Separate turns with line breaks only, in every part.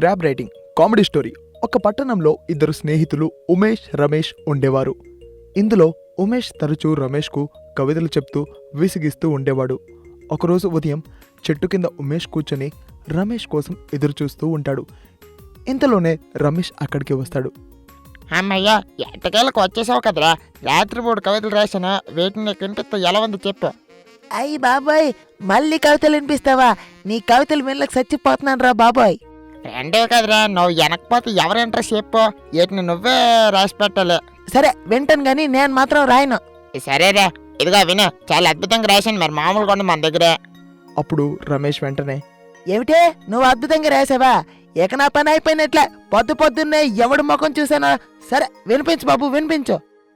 Crab writing comedy story. ఒక పట్టణంలో ఇద్దరు స్నేహితులు ఉమేష్, రమేష్ ఉండేవారు. ఇందులో ఉమేష్ తరచూ రమేష్కు కవితలు చెప్తూ విసిగిస్తూ ఉండేవాడు. ఒకరోజు ఉదయం చెట్టు కింద ఉమేష్ కూర్చొని రమేష్ కోసం ఎదురుచూస్తూ ఉంటాడు. ఇంతలోనే రమేష్ అక్కడికి వస్తాడు.
అమ్మయ్యా, ఎట్టకేళ్ళకు వచ్చేసావు కదరా. రాత్రి 3 కవితలు రాశాను, వీటిని నీకు వినిపిస్తా ఎలా ఉంది చెప్పు.
అయ్యి బాబాయ్, మళ్ళీ కవితలు వినిపిస్తావా? నీ కవితలు వినలకు చచ్చిపోతున్నాను రా బాబాయ్.
రెండే కదరా, నువ్వు వెనకపోతే ఎవరు ఇంట్రెస్ట్ చెప్పు, వీటిని నువ్వే రాసి పెట్టాలి.
సరే వింటాను గాని నేను మాత్రం రాయను.
సరేరా, ఇదిగా విను, చాలా అద్భుతంగా రాశాను, మరి మామూలుగా ఉంది మన దగ్గరే.
అప్పుడు రమేష్ వెంటనే,
ఏమిటే నువ్వు అద్భుతంగా రాసావా? ఇక నా పని అయిపోయినట్లే. పొద్దున్నే ఎవడు ముఖం చూసానా? సరే వినిపించు బాబు, వినిపించు.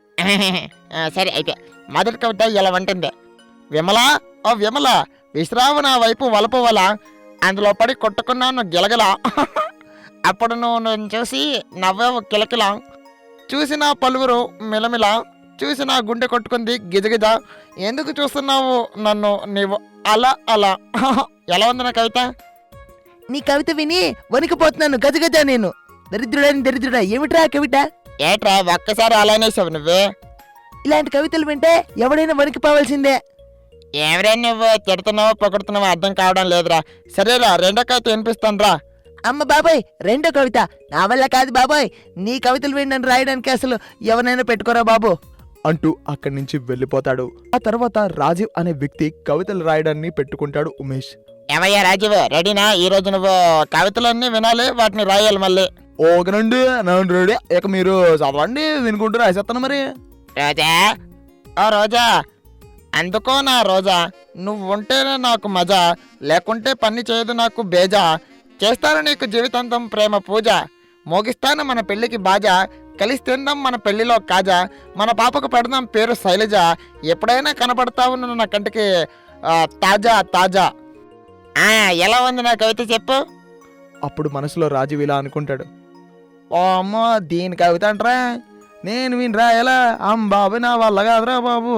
సరే అయితే మొదటి కవిత ఇలా ఉంటుంది. విమల, ఓ విమల, విశ్రావు నా వైపు వలపు వల, అందులో పడి కొట్టుకున్నాను గిలగల. అప్పుడు నువ్వు నన్ను చూసి నవ్వావు కిలకిల, చూసిన పలువురు మిలమిల, చూసిన గుండె కొట్టుకుంది గిజగిజ, ఎందుకు చూస్తున్నావు నన్ను నీవు అలా అలా. ఎలా ఉంది నా కవిత?
నీ కవిత విని వణికిపోతున్నాను గజగజ. నేను దరిద్రుడా ఏమిట్రా కవిత?
ఏట్రా ఒక్కసారి అలానేసావు నువ్వే?
ఇలాంటి కవితలు వింటే ఎవడైనా వణికిపోవాల్సిందే.
ఏమరా నువ్వు తిడుతున్నావో పొగడుతున్నావో అర్థం కావడం లేదురా. సరేరా, రెండో కవిత వినిపిస్తాను రా.
అమ్మ బాబాయ్, రెండో కవిత నా వల్ల కాదు బాబాయ్. నీ కవితలు విని రాయడానికి అసలు ఎవరైనా పెట్టుకోరా బాబు
అంటూ అక్కడి నుంచి వెళ్ళిపోతాడు. ఆ తర్వాత రాజీవ్ అనే వ్యక్తి కవితలు రాయడాన్ని పెట్టుకుంటాడు ఉమేష్.
ఏమయ్యా రాజీవ్, రెడీనా? ఈ రోజు నువ్వు కవితలన్నీ వినాలి, వాటిని రాయాలి మళ్ళీ.
ఓకేనండి, నేను రెడీ. ఇక మీరు చదవండి, వినుకుంటూ రాసేస్తాను మరి.
రోజా, ఓ రోజా, అందుకో నా రోజా, నువ్వు ఉంటేనే నాకు మజా, లేకుంటే పని చేయదు నాకు బేజా, చేస్తాను నీకు జీవితాంతం ప్రేమ పూజ, మోగిస్తాను మన పెళ్లికి బాజా, కలిసి తిందాం మన పెళ్లిలో కాజా, మన పాపకు పెడదాం పేరు శైలజ, ఎప్పుడైనా కనపడతావు నువ్వు నా కంటికి తాజా తాజా. ఎలా ఉంది నా కవిత చెప్పు?
అప్పుడు మనసులో రాజీవ్ ఇలా అనుకుంటాడు, ఓ అమ్మో దీని కవిత అంటరా, నేను వినరా ఎలా? బాబు నా వల్ల కాదురా బాబు.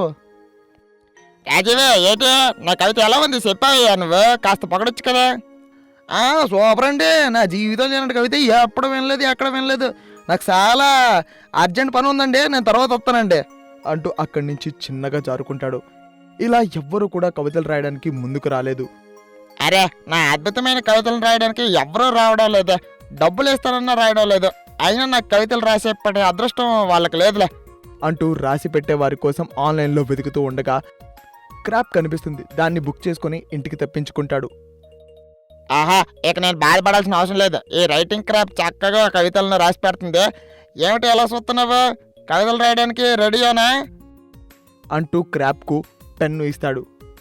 రాజీవే, ఏంటి నా కవిత ఎలా ఉంది చెప్పావయ్యా నువ్వు? కాస్త పొగడొచ్చు కదా.
సూపర్ అండి, నా జీవితం లేనట్టు కవిత ఎప్పుడు వినలేదు, ఎక్కడ వినలేదు. నాకు చాలా అర్జెంట్ పని ఉందండి, నేను తర్వాత వస్తానండి అంటూ అక్కడి నుంచి చిన్నగా జారుకుంటాడు. ఇలా ఎవ్వరూ కూడా కవితలు రాయడానికి ముందుకు రాలేదు.
అరే, నా అద్భుతమైన కవితలు రాయడానికి ఎవరూ రావడం లేదు, డబ్బులు ఇస్తానన్నా రాయడం లేదు, అయినా నాకు కవితలు రాసేపటి అదృష్టం వాళ్ళకి లేదులే
అంటూ రాసి పెట్టే వారి కోసం ఆన్లైన్లో వెతుకుతూ ఉండగా క్రాప్ కనిపిస్తుంది. దాన్ని బుక్ చేసుకుని ఇంటికి తెప్పించుకుంటాడు.
ఆహా, ఇక నేను బాధపడాల్సిన అవసరం లేదు, ఈ రైటింగ్ క్రాప్ చక్కగా కవితలను రాసి పెడుతుంది. ఏమిటి ఎలా చూస్తున్నావు? కవితలు రాయడానికి రెడీయేనా
అంటూ క్రాప్కు పెన్ను ఇస్తాడు.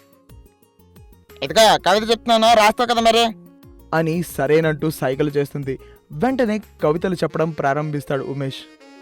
ఇదిగో కవిత చెప్తున్నాను, రాస్తావు కదా మరి
అని సరేనంటూ సైకిల్ చేస్తుంది. వెంటనే కవితలు చెప్పడం ప్రారంభిస్తాడు ఉమేష్.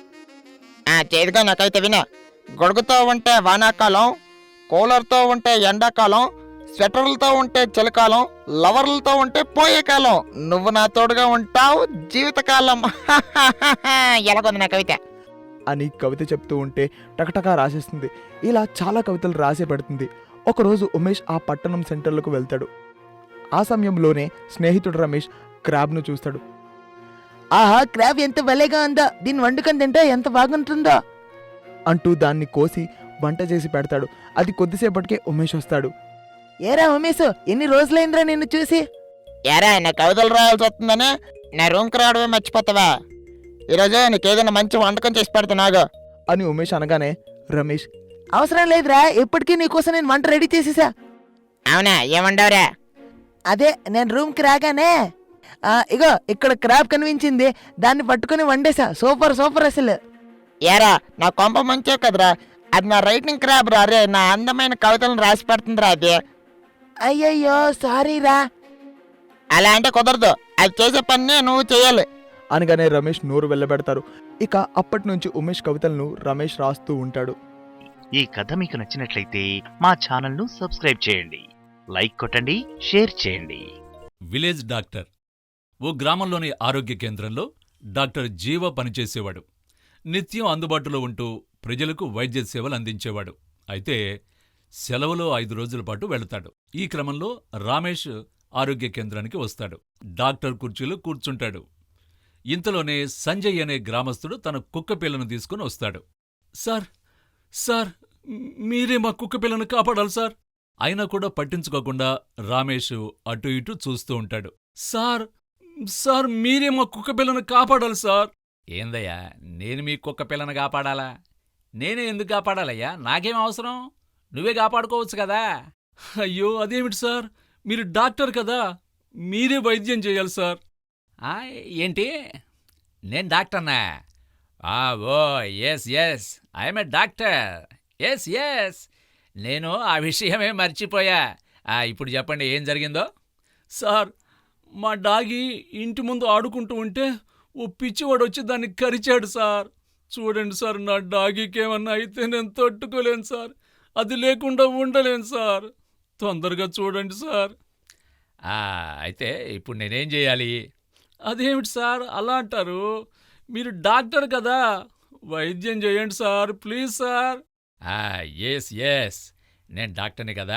చేదుగా నా కవిత విన. గొడుగుతో ఉంటే వానాకాలం, కూలర్తో ఉంటే ఎండాకాలం, స్వెటర్లతో ఉంటే చలికాలం, లవర్లతో ఉంటే పోయే కాలం, నువ్వు నా తోడుగా ఉంటావు జీవితకాలం. ఎలాగొంది నా కవిత
అని కవిత చెప్తూ ఉంటే టకటకా రాసేస్తుంది. ఇలా చాలా కవితలు రాసి పెడుతుంది. ఒకరోజు ఉమేష్ ఆ పట్టణం సెంటర్లకు వెళ్తాడు. ఆ సమయంలోనే స్నేహితుడు రమేష్ క్రాబ్ను చూస్తాడు.
ఆహా, క్రాబ్ ఎంత భలేగా ఉందో, దీన్ని వండుకొని తింటే ఎంత బాగుంటుందో
అంటూ దాన్ని కోసి వంట చేసి పెడతాడు. అది కొద్దిసేపటికే ఉమేష్ వస్తాడు.
ఏరా ఉమేష్, ఎన్ని రోజులైందిరా నిన్ను చూసి?
ఏరా, నా కవితలు రాయాల్సి వస్తుందని నా రూమ్కి రావడమే మర్చిపోతావా? ఈరోజు నీకేదైనా మంచి వంటకం చేసి పెడతానాగు
అని ఉమేష్ అనగానే రమేష్,
అవసరం లేదురా, ఎప్పటికీ నీకోసం నేను వంట రెడీ చేసేసా.
అవునా, ఏమండవురా?
అదే నేను రూమ్కి రాగానే ఇగో ఇక్కడ క్రాబ్ కనిపించింది, దాన్ని పట్టుకుని వండేసా. సూపర్ సూపర్ అసలు.
ఏరా, నా కొంప మంచే కదరా, అది నా రైటింగ్ క్రాబ్ రా. రే, నా అందమైన కవితలను రాసి పెడుతుందిరా అది.
అయ్యయ్యో సారీరా.
అలా అంటే కుదరదు, అది చేసే పని నువ్వు చేయాలి
అనగానే రమేష్ నోరు వెళ్ళబెడతారు. ఇక అప్పటి నుంచి ఉమేష్ కవితలను రమేష్ రాస్తూ ఉంటాడు.
ఈ కథ మీకు నచ్చినట్లయితే మా ఛానల్ను సబ్స్క్రైబ్ చేయండి, లైక్ కొట్టండి, షేర్ చేయండి.
Village doctor. ఓ గ్రామంలోని ఆరోగ్య కేంద్రంలో డాక్టర్ జీవ పనిచేసేవాడు. నిత్యం అందుబాటులో ఉంటూ ప్రజలకు వైద్య సేవలు అందించేవాడు. అయితే సెలవులో 5 రోజుల పాటు వెళతాడు. ఈ క్రమంలో రమేష్ ఆరోగ్య కేంద్రానికి వస్తాడు. డాక్టర్ కుర్చీలో కూర్చుంటాడు. ఇంతలోనే సంజయ్ అనే గ్రామస్తుడు తన కుక్కపిల్లను తీసుకుని వస్తాడు. సార్ సార్ మీరే మా కుక్కపిల్లను కాపాడాలి సార్. అయినా కూడా పట్టించుకోకుండా రమేష్ అటు ఇటు చూస్తూ ఉంటాడు. సార్ సార్ మీరే మా కుక్కపిల్లను కాపాడాలి సార్. ఏందయ్యా, నేను మీ కుక్కపిల్లను కాపాడాలా? నేనే ఎందుకు కాపాడాలయ్యా? నాకేం అవసరం? నువ్వే కాపాడుకోవచ్చు కదా. అయ్యో అదేమిటి సార్, మీరు డాక్టర్ కదా, మీరే వైద్యం చేయాలి సార్. ఏంటి, నేను డాక్టర్నా? Oh yes yes, I'm a doctor. Yes yes, నేను ఆ విషయమే మర్చిపోయా. ఇప్పుడు చెప్పండి ఏం జరిగిందో. సార్, మా డాగి ఇంటి ముందు ఆడుకుంటూ ఉంటే ఓ పిచ్చివాడు వచ్చి దాన్ని కరిచాడు సార్. చూడండి సార్, నా డాగీకేమన్నా అయితే నేను తట్టుకోలేను సార్. అది లేకుండా ఉండలేను సార్. తొందరగా చూడండి సార్. అయితే ఇప్పుడు నేనేం చేయాలి? అదేమిటి సార్ అలా అంటారు? మీరు డాక్టర్ కదా, వైద్యం చేయండి sir, please sir. Yes yes, నేను డాక్టర్ని కదా.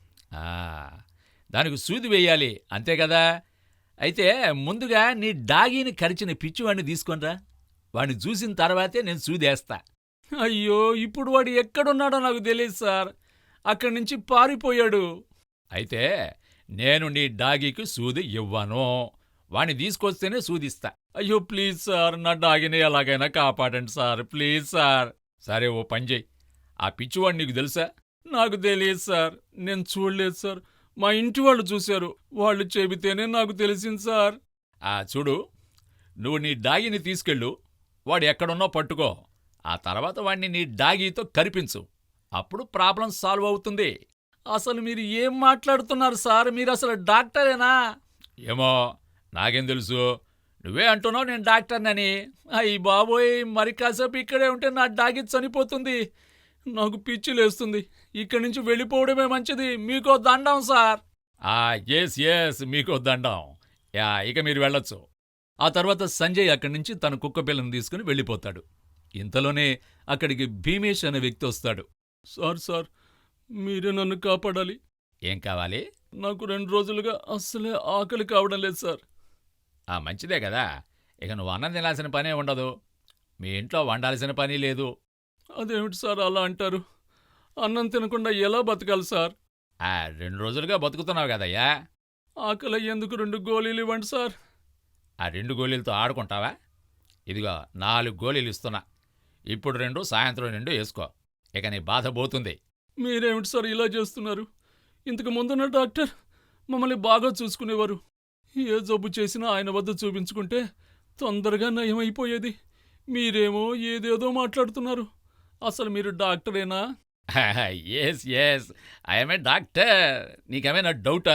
దానికి సూది వేయాలి అంతే కదా. అయితే ముందుగా నీ డాగీని కరిచిన పిచ్చివాడిని తీసుకొనిరా. వాడిని చూసిన తర్వాతే నేను సూదేస్తా. అయ్యో, ఇప్పుడు వాడు ఎక్కడున్నాడో నాకు తెలియదు సార్. అక్కడి నుంచి పారిపోయాడు. అయితే నేను నీ డాగీకి సూది ఇవ్వను. వాణ్ణి తీసుకొస్తేనే సూదిస్తా. అయ్యో ప్లీజ్ సార్, నా డాగిని ఎలాగైనా కాపాడండి సార్, ప్లీజ్ సార్. సరే ఓ పని చెయ్యి, ఆ పిచ్చివాడు నీకు తెలుసా? నాకు తెలియదు సార్, నేను చూడలేదు సార్. మా ఇంటి వాళ్ళు చూశారు, వాళ్ళు చెబితేనే నాకు తెలిసింది సార్. చూడు, నువ్వు నీ డాగిని తీసుకెళ్ళు, వాడు ఎక్కడున్నా పట్టుకో. ఆ తర్వాత వాణ్ణి నీ డాగీతో కరిపించు. అప్పుడు ప్రాబ్లం సాల్వ్ అవుతుంది. అసలు మీరు ఏం మాట్లాడుతున్నారు సార్? మీరు అసలు డాక్టరేనా? ఏమో నాకేం తెలుసు, నువ్వే అంటున్నావు నేను డాక్టర్నని. అయ్యి బాబోయ్, మరి కాసేపు ఇక్కడే ఉంటే నా డాగి చనిపోతుంది. నాకు పిచ్చి లేస్తుంది. ఇక్కడి నుంచి వెళ్ళిపోవడమే మంచిది. మీకో దండం సార్. ఎస్ ఎస్, మీకో దండం. ఇక మీరు వెళ్ళొచ్చు. ఆ తర్వాత సంజయ్ అక్కడి నుంచి తన కుక్కపిల్లను తీసుకుని వెళ్ళిపోతాడు. ఇంతలోనే అక్కడికి భీమేష్ అనే వ్యక్తి వస్తాడు. సార్ సార్, మీరే నన్ను కాపాడాలి. ఏం కావాలి? నాకు 2 రోజులుగా అస్సలే ఆకలి కావడం లేదు సార్. మంచిదే కదా, ఇక నువ్వు అన్నం తినాల్సిన పనే ఉండదు, మీ ఇంట్లో వండాల్సిన పని లేదు. అదేమిటి సార్ అలా అంటారు? అన్నం తినకుండా ఎలా బతకాలి సార్? 2 రోజులుగా బతుకుతున్నావు కదయ్యా. ఆకలి అయ్యేందుకు 2 గోళీలు ఇవ్వండి సార్. 2 గోళీలతో ఆడుకుంటావా? ఇదిగో 4 గోళీలు ఇస్తున్నా. ఇప్పుడు 2, సాయంత్రం 2 వేసుకో. ఇక నీ బాధ పోతుంది. మీరేమిటి సార్ ఇలా చేస్తున్నారు? ఇంతకు ముందున్న డాక్టర్ మమ్మల్ని బాగా చూసుకునేవారు. ఏ జబ్బు చేసినా ఆయన వద్ద చూపించుకుంటే తొందరగా నయమైపోయేది. మీరేమో ఏదేదో మాట్లాడుతున్నారు. అసలు మీరు డాక్టరేనా? Yes yes, I'm a doctor. నీకేమైనా డౌటా?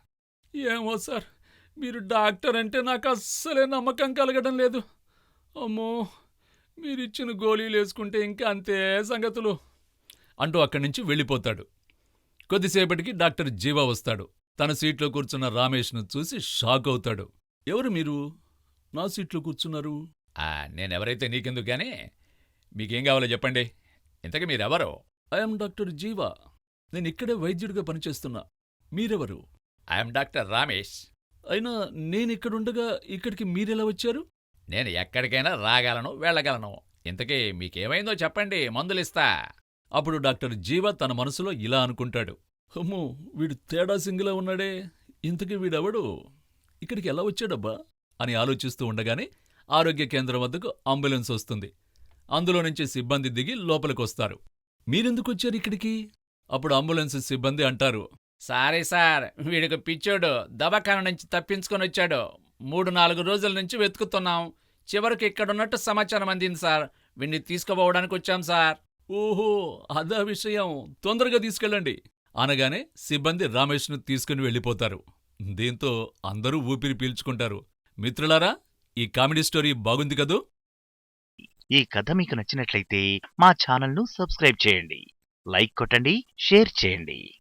ఏమో సార్, మీరు డాక్టర్ అంటే నాకు అస్సలే నమ్మకం కలగడం లేదు. అమ్మో, మీరిచ్చిన గోళీలు వేసుకుంటే ఇంకా అంతే సంగతులు అంటూ అక్కడి నుంచి వెళ్ళిపోతాడు. కొద్దిసేపటికి డాక్టర్ జీవా వస్తాడు. తన సీట్లో కూర్చున్న రమేష్ను చూసి షాక్ అవుతాడు. ఎవరు మీరు? నా సీట్లో కూర్చున్నారు? నేనెవరైతే నీకెందుకు గానీ, మీకేం కావాలో చెప్పండి. ఇంతకీ మీరెవరు? I'm doctor Jeeva. నేను ఇక్కడే వైద్యుడిగా పనిచేస్తున్నా. మీరెవరు? I'm doctor Ramesh. అయినా నేనిక్కడుండగా ఇక్కడికి మీరెలా వచ్చారు? నేను ఎక్కడికైనా రాగలను, వెళ్ళగలను. ఇంతకీ మీకేమైందో చెప్పండి, మందులిస్తా. అప్పుడు డాక్టర్ జీవా తన మనసులో ఇలా అనుకుంటాడు. అమ్మో, వీడు తేడా సింగిలా ఉన్నాడే, ఇంతకీ వీడెవడు, ఇక్కడికి ఎలా వచ్చాడబ్బా అని ఆలోచిస్తూ ఉండగానే ఆరోగ్య కేంద్రం వద్దకు అంబులెన్స్ వస్తుంది. అందులో నుంచి సిబ్బంది దిగి లోపలికొస్తారు. మీరెందుకొచ్చారు ఇక్కడికి? అప్పుడు అంబులెన్స్ సిబ్బంది అంటారు, సారీ సార్, వీడికి పిచ్చోడు దవాఖాన నుంచి తప్పించుకొని వచ్చాడు. 3-4 రోజుల నుంచి వెతుకుతున్నాం. చివరికి ఇక్కడున్నట్టు సమాచారం అందింది సార్. వీడిని తీసుకుపోవడానికి వచ్చాం సార్. ఓహో, అదా విషయం, తొందరగా తీసుకెళ్ళండి అనగానే సిబ్బంది రమేష్ను తీసుకుని వెళ్ళిపోతారు. దీంతో అందరూ ఊపిరి పీల్చుకుంటారు. మిత్రులారా, ఈ కామెడీ స్టోరీ బాగుంది కదూ?
ఈ కథ మీకు నచ్చినట్లయితే మా ఛానల్ను సబ్స్క్రైబ్ చేయండి, లైక్ కొట్టండి, షేర్ చేయండి.